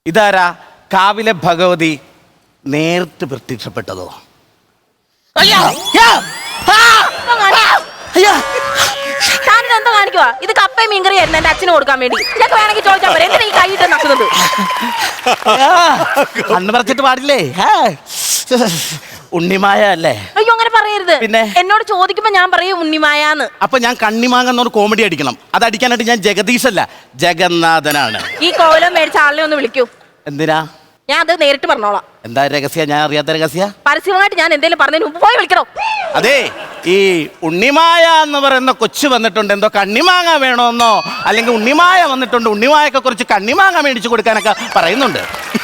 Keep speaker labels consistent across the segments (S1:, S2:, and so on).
S1: ഇതാരാ കാവിലെ ഭഗവതി നേരിട്ട് പ്രത്യക്ഷപ്പെട്ടതോ?
S2: എന്താ കാണിക്കുവാ? ഇത് കപ്പയും മീൻകറി ആയിരുന്നു എന്റെ അച്ഛന് കൊടുക്കാൻ വേണ്ടി. ഇതൊക്കെ വേണമെങ്കിൽ ചോദിച്ചാൽ പോരെ, എന്തിനാ ഈ കൈയിട്ട് നക്കുന്നത്?
S1: കണ്ണു പറിച്ചിട്ട് പാടില്ലേ? ഉണ്ണിമായ അല്ലേ?
S2: അയ്യോ അങ്ങനെ പറയരുത്.
S1: പിന്നെ
S2: എന്നോട് ചോദിക്കുമ്പോ ഞാൻ പറയും ഉണ്ണിമായാന്ന്.
S1: അപ്പൊ ഞാൻ കണ്ണിമാങ്ങന്നൊരു കോമഡി അടിക്കണം. അത് അടിക്കാനായിട്ട് ഞാൻ ജഗദീഷ് അല്ല, ജഗന്നാഥനാണ്.
S2: ഈ കോലം മേടിച്ച ആളിനെ ഒന്ന് വിളിക്കൂ.
S1: എന്തിനാ?
S2: ഞാൻ അത് നേരിട്ട് പറഞ്ഞോളാം.
S1: എന്താ രഹസ്യ? ഞാൻ അറിയാത്ത രഹസ്യ.
S2: പരസ്യമായിട്ട് ഞാൻ എന്തെങ്കിലും പറഞ്ഞതിന് മുമ്പ് പോയി വിളിക്കണോ?
S1: അതെ, ഈ ഉണ്ണിമായ എന്ന് പറയുന്ന കൊച്ചു വന്നിട്ടുണ്ട്, എന്തോ കണ്ണിമാങ്ങ വേണമെന്നോ, അല്ലെങ്കിൽ ഉണ്ണിമായ വന്നിട്ടുണ്ട്, ഉണ്ണിമായൊക്കെ കുറച്ച് കണ്ണിമാങ്ങ മേടിച്ചു കൊടുക്കാനൊക്കെ പറയുന്നുണ്ട്.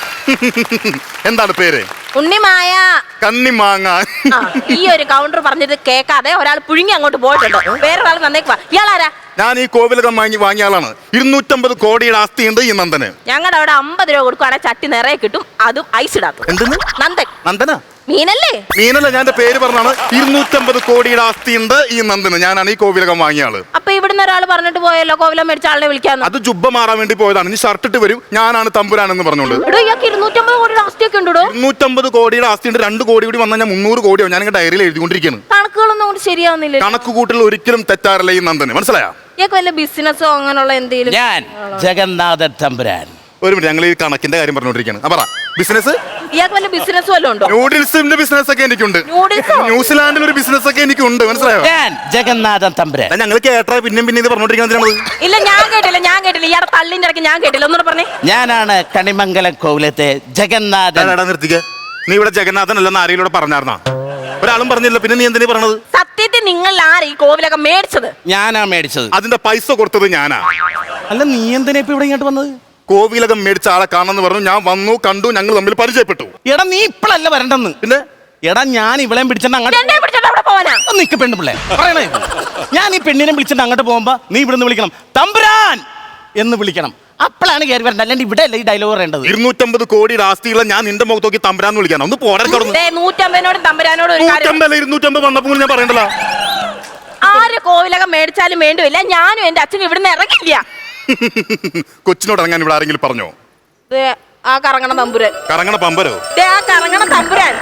S3: എന്താണ് പേര്?
S2: ഉണ്ണിമായ.
S3: കണ്ണിമാങ്ങ.
S2: ഈ ഒരു കൗണ്ടർ പറഞ്ഞത് കേൾക്കാതെ ഒരാൾ പുഴുങ്ങി അങ്ങോട്ട് പോയിട്ടുണ്ട്. വേറൊരാൾ വന്നേക്കുവാ. ഇയാളാരാ?
S3: ഞാൻ ഈ കോവിലകം വാങ്ങിയ ആളാണ്. 250 കോടിയുടെ ആസ്തിയുണ്ട് ഈ നന്ദന്.
S2: ഞങ്ങളുടെ അവിടെ 50 രൂപ കൊടുക്കുവാണെങ്കിൽ ചട്ടി നിറയെ കിട്ടും, അതും ഐസ് ഇടാത്ത.
S3: എന്തെന്ന്?
S2: നന്ദൻ.
S3: നന്ദന
S2: മീനല്ലേ?
S3: മീനല്ല, ഞാൻ എന്റെ പേര് പറഞ്ഞാണ്. 250 കോടിയുടെ ആസ്തിയുണ്ട് ഈ നന്ദന്. ഞാനാണ് ഈ കോവിലകം വാങ്ങിയ ആള്.
S2: അപ്പൊ ഇവിടുന്ന് ഒരാൾ പറഞ്ഞിട്ട് പോയല്ലോ കോവിലം മേടിച്ച ആളിനെ വിളിക്കാന്ന്.
S3: അത് ജുബ്ബ മാറാൻ വേണ്ടി പോയതാണ്. ഇനി ഷർട്ട് ഇട്ട് വരും, ഞാനാണ് തമ്പുരാനെന്ന് പറഞ്ഞോണ്ട്.
S2: 250 കോടിയുടെ ആസ്തിയൊക്കെ ഉണ്ടോ?
S3: 250 കോടിയുടെ ആസ്തിയുണ്ട്. 2 കോടി കൂടി വന്നാൽ ഞാൻ 300 കോടിയോ. ഞാൻ ഡയറിയിൽ എഴുതിക്കൊണ്ടിരിക്കുകയാണ്.
S2: കണക്കുകളൊന്നും കൊണ്ട് ശരിയാവുന്നില്ല.
S3: കണക്ക് കൂട്ടൽ ഒരിക്കലും തെറ്റാറില്ല ഈ നന്ദന്. മനസ്സിലായോ?
S2: ഇയാൾക്ക് വല്ല ബിസിനസ്സോ അങ്ങനെയുള്ള എന്തെങ്കിലും?
S1: ഞാൻ ജഗന്നാഥൻ തമ്പുരാൻ.
S3: ഒരു മിനിറ്റ്, ഞങ്ങൾ ഈ കണക്കിന്റെ കാര്യം പറഞ്ഞോണ്ടിരിക്കുകയാണ്. പറ, ബിസിനസ്?
S2: ഇയാൾക്ക് വല്ല ബിസിനസ് വല്ലതും ഉണ്ടോ?
S3: നൂഡിൽസിന്റെ ബിസിനസ് ഒക്കെ എനിക്കുണ്ട്. ന്യൂസിലാൻഡിൽ ഒരു ബിസിനസ് ഒക്കെ എനിക്കുണ്ട്. മനസ്സിലായോ?
S1: ഞാൻ ജഗന്നാഥൻ തമ്പുരാൻ.
S3: ഞങ്ങൾ കേട്ടാ പിന്നെയും ഇത് പറഞ്ഞോണ്ടിരിക്കുന്നത്.
S2: ഇല്ല, ഞാൻ കേട്ടില്ല. ഇയാടെ തള്ളിന്റെ ഇടയ്ക്ക് ഞാൻ കേട്ടില്ല. ഒന്നുകൂടെ പറഞ്ഞേ.
S1: ഞാനാണ് കണിമംഗലം കോവിലത്തെ ജഗന്നാഥൻ.
S3: നിർത്തിക്ക. നീ ഇവിടെ ജഗന്നാഥൻ അല്ലെന്ന് ആരെങ്കിലും പറഞ്ഞാർന്നാ? ഒരാളും പറഞ്ഞില്ല. പിന്നെ നീ എന്തിനാ പറഞ്ഞത്?
S2: സത്യത്തിൽ നിങ്ങൾ ആര് ഈ കോവിലൊക്കെ മേടിച്ചത്?
S1: ഞാനാ മേടിച്ചത്.
S3: അതിന്റെ പൈസ കൊടുത്തത് ഞാനാ.
S1: അല്ല, നീ എന്തിനാ ഇപ്പൊ ഇവിടെ ഇങ്ങോട്ട് വന്നത്?
S3: കോവിലകം മേടിച്ച ആളെ കാണാന്ന് പറഞ്ഞു. ഞാൻ വന്നു, കണ്ടു, ഞങ്ങൾ തമ്മിൽ പരിചയപ്പെട്ടു.
S1: എടാ, നീ ഇപ്പഴല്ല വരണ്ടെന്ന്.
S3: പിന്നെ
S1: എടാ, ഞാൻ ഇവളെയും പിടിച്ചിട്ട് അങ്ങോട്ട് നിക്ക് പെണ്ണുപിള്ളേ പറയണേ. ഞാൻ ഈ പെണ്ണിനെ വിളിച്ചിട്ട് അങ്ങോട്ട് പോകുമ്പോ നീ ഇവിടുന്ന് വിളിക്കണം, തമ്പുരാൻ എന്ന് വിളിക്കണം. അപ്പോഴാണ് കയറി വരേണ്ടത്. അല്ലാണ്ട് ഇവിടെ അല്ല ഈ ഡയലോഗ് പറയേണ്ടത്.
S3: 250 കോടിയുടെ ആസ്തിയുള്ള ഞാൻ നിന്റെ മുഖത്ത് നോക്കി തമ്പുരാന്ന് വിളിക്കണം. ഒന്ന് പോരാ.
S2: 150 തമ്പുരാനോട്
S3: 250 വന്നപ്പോൾ ഞാൻ പറയണ്ടല്ലോ.
S2: ആര് കോവിലകം മേടിച്ചാലും വേണ്ടില്ല, ഞാനും എന്റെ അച്ഛനും ഇവിടുന്ന് ഇറങ്ങില്ല.
S3: കൊച്ചിനോട് ഇറങ്ങാൻ ഇവിടെ ആരെങ്കിലും പറഞ്ഞോ?
S2: ആ കറങ്ങണ തമ്പുരാൻ.
S3: കറങ്ങണ പമ്പരോ?
S2: ആ കറങ്ങണ തമ്പുരാൻ.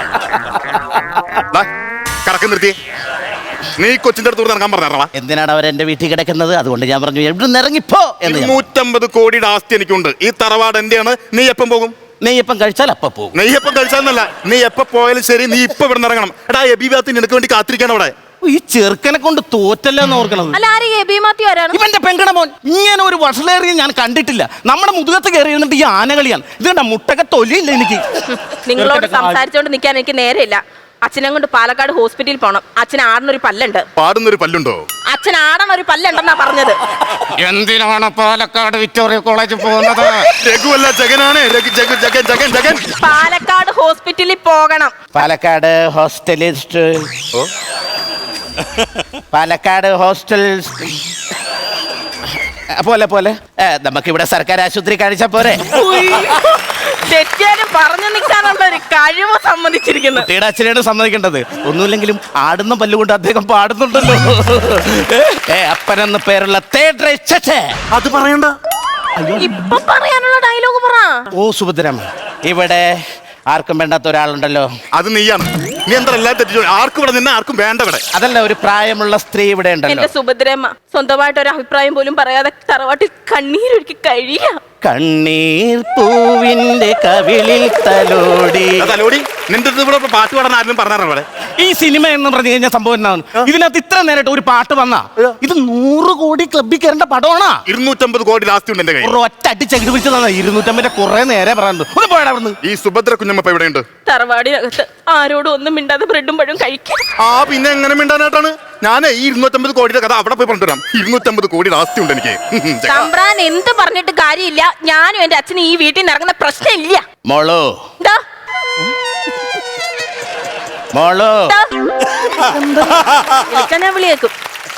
S3: കറക്കം നിർത്തി. നീ കൊച്ചിന്റെ അടുത്ത് ഇറങ്ങാൻ പറഞ്ഞാ?
S1: എന്തിനാണ് അവർ എന്റെ വീട്ടിൽ കിടക്കുന്നത്? അതുകൊണ്ട് ഞാൻ പറഞ്ഞു ഇവിടുന്ന് ഇറങ്ങിപ്പോ എന്ന്.
S3: 250 കോടിയുടെ ആസ്തി എനിക്കുണ്ട്. ഈ തറവാട് എന്റെയാണ്. നീ എപ്പം പോകും?
S1: നെയ്യപ്പം കഴിച്ചാൽ അപ്പ പോകും.
S3: നെയ്യപ്പം കഴിച്ചാന്നല്ല, നീ എപ്പ പോയാലും ശരി, നീ ഇപ്പൊ ഇവിടെ ഇറങ്ങണം. എടാ, എബിബാത്തിന് നിനക്ക് വേണ്ടി കാത്തിരിക്കണം അവിടെ.
S1: ഈ ചെറുക്കനെ കൊണ്ട് തോറ്റല്ലെന്ന് ഓർക്കണത്. ഇവന്റെ പെങ്കണമോൻ ഇങ്ങനെ ഒരു വഷളേറിയ ഞാൻ കണ്ടിട്ടില്ല. നമ്മുടെ മുതുകത്ത് കയറി ഇരുന്നിട്ട് ഈ ആനകളിയാണ്. ഇതുകൊണ്ടാ മുട്ടൊക്കെ തൊലിയില്ല എനിക്ക്.
S2: നിങ്ങളോട് സംസാരിച്ചോണ്ട് നിൽക്കാൻ എനിക്ക് നേരെയില്ല. അച്ഛനെ കൊണ്ട് പാലക്കാട് ഹോസ്പിറ്റലിൽ പോണം. അച്ഛൻ ആടണൊരു പല്ലുണ്ട്.
S3: പാടുന്നൊരു പല്ലുണ്ടോ?
S2: അച്ഛൻ ആടണൊരു പല്ലുണ്ടെന്നാ പറഞ്ഞത്.
S1: എന്തിനാണ് പാലക്കാട് വിക്ടോറിയ കോളേജിൽ പോകുന്നത്?
S3: രഘുവല്ല, ജഗനാണ്. ജഗൻ.
S2: പാലക്കാട് ഹോസ്പിറ്റലിൽ പോകണം.
S1: പാലക്കാട് ഹോസ്റ്റലിസ്റ്റ്. പാലക്കാട് ഹോസ്റ്റൽ പോലെ നമുക്കിവിടെ സർക്കാർ ആശുപത്രി കാണിച്ചാ പോരെ?
S2: തെറ്റാനും പറഞ്ഞു നിൽക്കാനുള്ള ഒരു കഴിവ് സമ്മതിച്ചിരിക്കുന്നു.
S1: കുട്ടിയുടെ അച്ഛനാണ് സമ്മതിക്കേണ്ടത്. ഒന്നുമില്ലെങ്കിലും ആടുന്ന പല്ലുകൊണ്ട് അദ്ദേഹം പാടുന്നുണ്ടല്ലോ. അപ്പനെന്ന് പേരുള്ള
S3: അത് പറയണ്ട.
S2: ഇപ്പൊ പറയാനുള്ള ഡയലോഗ് പറ.
S1: ഓ സുഭദ്രമ്മ, ഇവിടെ ആർക്കും വേണ്ടാത്ത ഒരാളുണ്ടല്ലോ.
S3: അത് നീയാണ്. നീ എന്താ എല്ലാം തെറ്റിച്ചോ? ആർക്കും ഇവിടെ നിന്നെ ആർക്കും വേണ്ട ഇവിടെ.
S1: അതല്ല, ഒരു പ്രായമുള്ള സ്ത്രീ ഇവിടെ ഉണ്ടല്ലോ.
S2: എന്റെ സുഭദ്രമ്മ സ്വന്തമായിട്ട് ഒരു അഭിപ്രായം പോലും പറയാതെ തറവാട്ടിൽ കണ്ണീരൊഴുക്കി കഴിയ.
S1: കണ്ണീർ പൂവിന്റെ കവിളിൽ തലോടി.
S3: നിന്റെ ഇവിടെ പാട്ട് പാടാൻ ആരും പറഞ്ഞാറേ?
S1: ഈ സിനിമ എന്ന് പറഞ്ഞു കഴിഞ്ഞാൽ സംഭവം എന്താണ്? ഇതിനകത്ത് ഇത്ര നേരിട്ട് ഒരു പാട്ട് വന്നാ ഇത് 100 കോടി ക്ലബിൽ കയറേണ്ട പടമാണോ?
S3: 250 കോടി ലാസ്റ്റ് ഉണ്ട് എന്റെ കയ്യിൽ.
S1: ഒറ്റ അടിച്ചെടുത്ത് പിടിച്ചതാണ്. 250 കുറെ നേരെ പറയുന്നത്. ഒന്ന് പോയടാ അവിടുന്ന്.
S3: ഈ സുഭദ്ര കുഞ്ഞമ്മ എവിടെയുണ്ട്?
S2: തറവാടിനകത്ത് ആരോടും ഒന്നും മിണ്ടാതെ ബ്രെഡും പഴവും കഴിക്കും.
S3: പിന്നെ എങ്ങനെ മിണ്ടാനായിട്ടാണ്? ഞാൻ ഈ 250 കോടിയുടെ കഥ അവിടെ പോയി പറഞ്ഞുതരാം. 250 കോടി ആസ്തി ഉണ്ട് എനിക്ക്.
S2: തമ്പ്രാൻ എന്ത് പറഞ്ഞിട്ട് കാര്യമില്ല. ഞാനും എന്റെ അച്ഛനും ഈ വീട്ടിൽ നിന്ന് ഇറങ്ങുന്ന പ്രശ്നമില്ല.
S1: മോളോ
S2: ഞാൻ വിളിയേക്കും.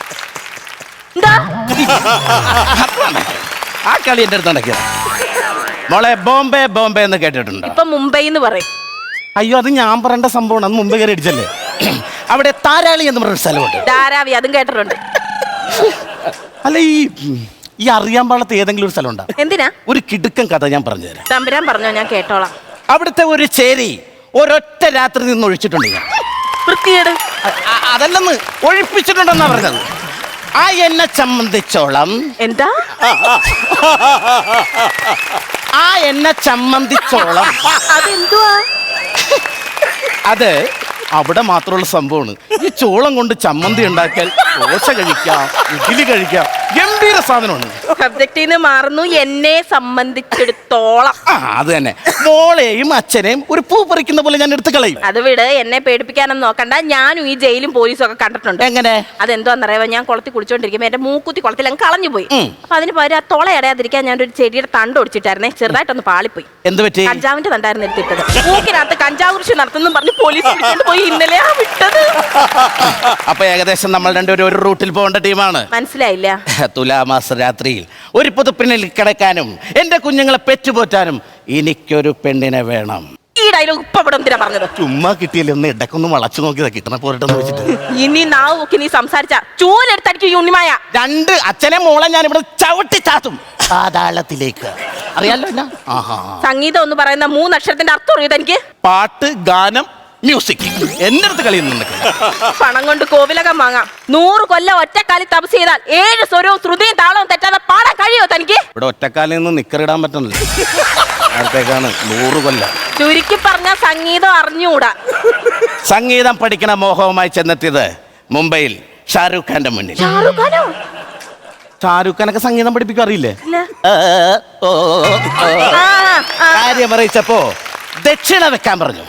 S1: ആ കളി എന്റെ അടുത്ത് നടക്കിയ മോളെ. ബോംബെ ബോംബെ എന്ന് കേട്ടിട്ടുണ്ട്?
S2: ഇപ്പൊ മുംബൈ എന്ന് പറയും.
S1: അയ്യോ, അത് ഞാൻ പറയേണ്ട സംഭവമാണ്. അത് മുമ്പ് കയറി അടിച്ചല്ലേ. അവിടെ താരാളി എന്ന് പറഞ്ഞൊരു സ്ഥലമുണ്ട്.
S2: ധാരാവി, അതും കേട്ടിട്ടുണ്ട്.
S1: അല്ല, ഈ ഈ അറിയാൻ പാടത്ത് ഏതെങ്കിലും ഒരു സ്ഥലം ഉണ്ടാ?
S2: എന്തിനാ?
S1: ഒരു കിടുക്കൻ കഥ ഞാൻ പറഞ്ഞുതരാം.
S2: തമ്പുരാൻ പറഞ്ഞോ, ഞാൻ കേട്ടോളാം.
S1: അവിടുത്തെ ഒരു ചേരി ഒരൊറ്റ രാത്രി നിന്ന് ഒഴിച്ചിട്ടുണ്ട് ഞാൻ.
S2: വൃത്തിയേട്.
S1: അതല്ലെന്ന്, ഒഴിപ്പിച്ചിട്ടുണ്ടെന്നാ പറഞ്ഞത്. ആ എന്നെ സംബന്ധിച്ചോളം
S2: എന്താ?
S1: ആ എന്നെ സംബന്ധിച്ചോളം
S2: അതെന്തുവാ?
S1: അത് അവിടെ മാത്രമുള്ള സംഭവമാണ്. ഈ ചോളം കൊണ്ട് ചമ്മന്തി ഉണ്ടാക്കിയാൽ ദോശ കഴിക്കാം, ഇഡ്ഡലി കഴിക്കാം, ഗംഭീര സാധനമാണ്.
S2: സബ്ജക്റ്റിൽ നിന്ന് മാറുന്നു. എന്നെ സംബന്ധിച്ചിടത്തോളം
S1: അത് തന്നെ. മോളെയും അച്ഛനെയും ഒരു പൂ പറിക്കുന്ന പോലെ ഞാൻ എടുത്തു കളയും.
S2: അത് വിട്, എന്നെ പേടിപ്പിക്കാനൊന്നും നോക്കണ്ട. ഞാനും ഈ ജയിലും പോലീസും ഒക്കെ കണ്ടിട്ടുണ്ട്.
S1: എങ്ങനെ?
S2: അതെന്തോന്നറിയാമോ, ഞാൻ കുളത്തിൽ കുളിച്ചോണ്ടിരിക്കുമ്പോ എന്റെ മൂക്കുത്തി കുളത്തിൽ അങ്ങ് കളഞ്ഞു പോയി. അപ്പൊ അതിന് പകരം ആ തുള അടയാതിരിക്കാൻ ഞാൻ ഒരു ചെടിയുടെ തണ്ട് ഒടിച്ചിട്ടായിരുന്നേ, ചെറുതായിട്ടൊന്ന് പാളിപ്പോയി.
S1: എന്ത് പറ്റി?
S2: കഞ്ചാവിന്റെ തണ്ടായിരുന്നു എടുത്തിട്ടത്. മൂക്കിനകത്ത് കഞ്ചാവ് കൃഷി നടത്തുന്നു പറഞ്ഞ് പോലീസ് പിടിച്ചോണ്ട് പോയി. ഇന്നലെയാ വിട്ടത്.
S1: അപ്പൊ ഏകദേശം നമ്മൾ രണ്ടുപേരും ഒരു റൂട്ടിൽ പോകേണ്ട ടീമാണ്.
S2: മനസ്സിലായില്ല?
S1: തുലാമാസ രാത്രിയിൽ ഒരു പുതുപ്പെണ്ണിൽ കിടക്കാനും എന്റെ കുഞ്ഞുങ്ങളെ പെറ്റുപോറ്റാനും എനിക്കൊരു പെണ്ണിനെ വേണം.
S2: ഈ ഡയലോഗ് ഇപ്പൊ ഇവിടെ എന്തിനാ പറഞ്ഞത്?
S1: ചുമ്മാ കിട്ടിയില്ല, ഒന്ന് ഇടക്കൊന്ന് വളച്ചു നോക്കിയതാ, കിട്ടണ പോരട്ടെന്ന് വെച്ചിട്ട്.
S2: ഇനി നാവ് നോക്കി നീ സംസാരിച്ച ചൂലെടുത്തടിക്കും ഈ ഉണ്ണിമായ.
S1: രണ്ട് അച്ഛനെ മോളെ ഞാൻ ഇവിടെ ചവിട്ടി ചാത്തും പാതാളത്തിലേക്ക്. അറിയാലോ എന്നാ?
S2: സംഗീതം എന്ന് പറയുന്ന 3 അക്ഷരത്തിന്റെ അർത്ഥം അറിയോ തനിക്ക്?
S1: പാട്ട്, ഗാനം, മ്യൂസിക്. എന്റെ അടുത്ത് കളിയുന്നുണ്ട്.
S2: പണം കൊണ്ട് കോവിലകം വാങ്ങാം. 100 കൊല്ലം ഒറ്റക്കാലി തപസ് ചെയ്താൽ 7 സ്വരവും ശ്രുതിയും താളവും തെറ്റാതെ പാടാൻ കഴിയോ തനിക്ക്?
S1: ഇവിടെ ഒറ്റക്കാലിൽ നിന്ന് നിക്കറിടാൻ പറ്റണില്ല. അടുത്തേക്കാണ് 100 കൊല്ലം.
S2: ചുരുക്കി പറഞ്ഞ സംഗീതം അറിഞ്ഞുകൂടാ.
S1: സംഗീതം പഠിക്കണ മോഹവുമായി ചെന്നെത്തിയത് മുംബൈയിൽ ഷാരൂഖ് ഖാന്റെ മുന്നിൽ. ഷാരൂഖ് ഖാനൊക്കെ സംഗീതം പഠിപ്പിക്കും, അറിയില്ലേ? കാര്യം അറിയിച്ചപ്പോ ദക്ഷിണ വെക്കാൻ പറഞ്ഞു.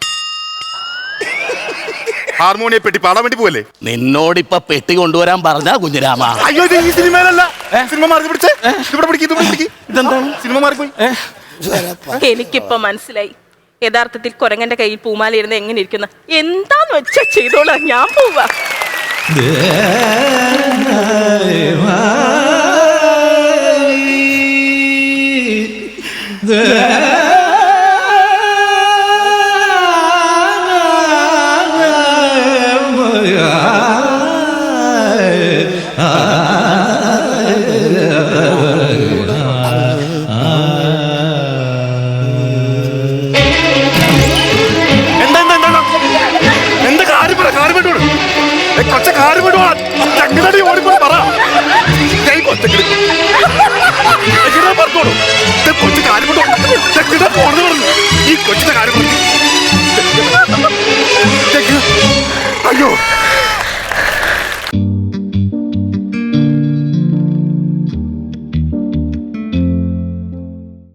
S3: ഹാർമോണിയെ പെട്ടി പാടാൻ വേണ്ടി പോവല്ലേ?
S1: നിന്നോടിപ്പൊ പെട്ടി കൊണ്ടുവരാൻ പറഞ്ഞ കുഞ്ഞിരാമ.
S3: അയ്യോ, ഇത് ഈ സിനിമയിലല്ല. സിനിമ മാറി പിടിച്ചേ. ഇവിടെ പിടിക്കും.
S1: ഇതെന്താണ്?
S3: സിനിമ മാറിപ്പോയി.
S2: എനിക്കിപ്പൊ മനസ്സിലായി യഥാർത്ഥത്തിൽ കുരങ്ങന്റെ കയ്യിൽ പൂമാല ഇരുന്ന് എങ്ങനെ ഇരിക്കുന്ന. എന്താന്ന് വെച്ചാ ചെയ്തോളാം, ഞാൻ പോവാ.